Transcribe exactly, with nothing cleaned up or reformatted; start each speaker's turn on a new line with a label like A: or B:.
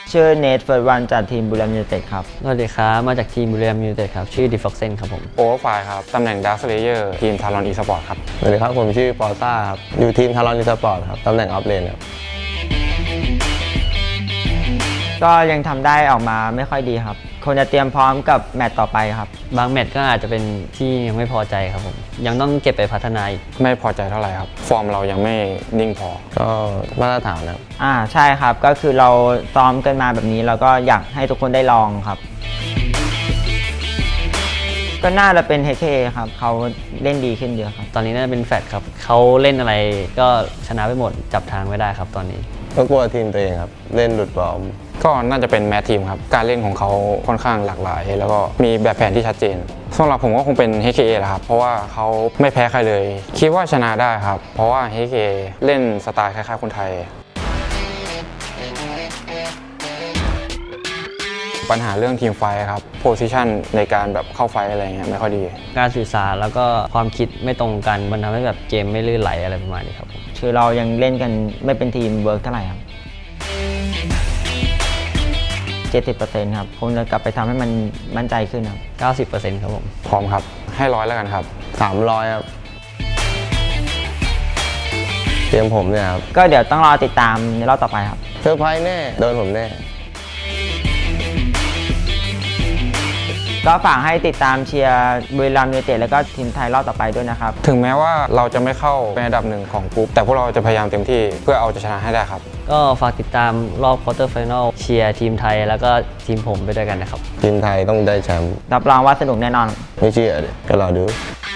A: ชื่อเนทเฟิร์สวันจากทีมบุรีรัมย์ยูไนเต็ดครับ
B: สวัสดีครับมาจากทีมบุรีรัมย์ยูไนเต็ดครับชื่อดิฟ็อกเซนครับผม
C: โอเวอร์ไฟครับตำแหน่งดาร์คเลเยอร์ทีมทารอนอีสปอร์ตครับ
D: สวัสดีครับผมชื่อปอต้าครับอยู่ทีมทารอนอีสปอร์ตครับตำแหน่งออฟเลนครับ
A: ก็ยังทำได้ออกมาไม่ค่อยดีครับควรจะเตรียมพร้อมกับแมตต์ต่อไปครับ
B: บางแมตช์ก็อาจจะเป็นที่ยังไม่พอใจครับผมยังต้องเก็บไปพัฒนาอีก
C: ไม่พอใจเท่าไหร่ครับฟอร์มเรายังไม่นิ่งพอ
D: ก็มาตรฐานครับ
A: อ่าใช่ครับก็คือเราซ้อมกันมาแบบนี้เราก็อยากให้ทุกคนได้ลองครับก็น่าจะเป็น เอช เค เอ ครับเขาเล่นดีขึ้นเยอะครับ
B: ตอนนี้น่าจะเป็นแฟตครับเขาเล่นอะไรก็ชนะไปหมดจับทางไม่ได้ครับตอนนี้
D: ก็กลัวทีมตัวเองครับเล่นหลุดบอล
C: ก็น่าจะเป็นแมททีมครับการเล่นของเขาค่อนข้างหลากหลายแล้วก็มีแบบแผนที่ชัดเจนสำหรับผมก็คงเป็น เอช เค เอ แหละครับเพราะว่าเขาไม่แพ้ใครเลยคิดว่าชนะได้ครับเพราะว่า เอช เค เอ เล่นสไตล์คล้ายๆคนไทยปัญหาเรื่องทีมไฟครับโพซิชันในการแบบเข้าไฟอะไรเงี้ยไม่ค่อยดี
B: การสื่อสารแล้วก็ความคิดไม่ตรงกันมันทำให้แบบเกมไม่ลื่นไหลอะไรประมาณนี้ครับผม
A: คือเรายังเล่นกันไม่เป็นทีมเวิร์กเท่าไหร่ครับเจ็ดสิบเปอร์เซ็นต์ ครับคงจะกลับไปทำให้มันมั่นใจขึ้นครับ
B: เก้าสิบเปอร์เซ็นต์ ครับผม
C: พร้อมครับให้ร้อยแล้วกันครับ
D: สามร้อยครับเตรียมผมเนี่ยครับ
A: ก็เดี๋ยวต้องรอติดตามในรอบต่อไปครับ
D: เซอร์ไพรส์แน่โดนผมแน่
A: ก็ฝากให้ติดตามเชียร์บุรีรัมย์ยูไนเต็ดแล้วก็ทีมไทยรอบต่อไปด้วยนะครับ
C: ถึงแม้ว่าเราจะไม่เข้าเป็นอันดับหนึ่งของกลุ่มแต่พวกเราจะพยายามเต็มที่เพื่อเอาจะชนะให้ได้ครับ
B: ก็ฝากติดตามรอบควอเตอร์ไฟนอลเชียร์ทีมไทยแล้วก็ทีมผมไปด้วยกันนะครับ
D: ทีมไทยต้องได้แชมป์
A: รับรองว่าสนุกแน่นอน
D: ไม่เชื่อเดี๋ยวก็รอดู